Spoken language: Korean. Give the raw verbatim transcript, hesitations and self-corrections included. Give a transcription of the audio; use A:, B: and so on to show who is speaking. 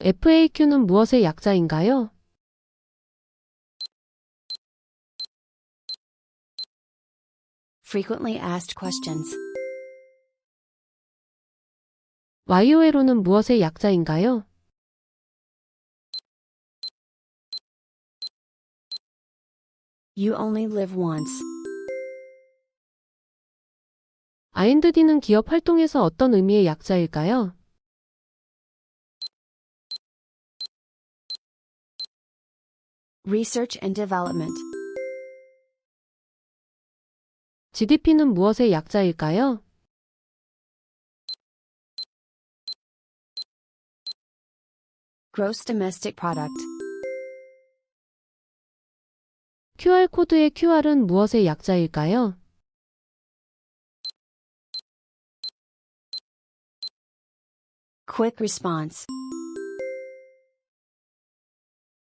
A: 에프에이큐는 무엇의 약자인가요?
B: Frequently asked questions.
A: 와이오엘오는 무엇의 약자인가요?
B: You only live once.
A: 아이엔디는 기업 활동에서 어떤 의미의 약자일까요?
B: Research and development.
A: 지디피는 무엇의 약자일까요?
B: Gross domestic product.
A: 큐알코드의 큐알은 무엇의 약자일까요?
B: Quick response.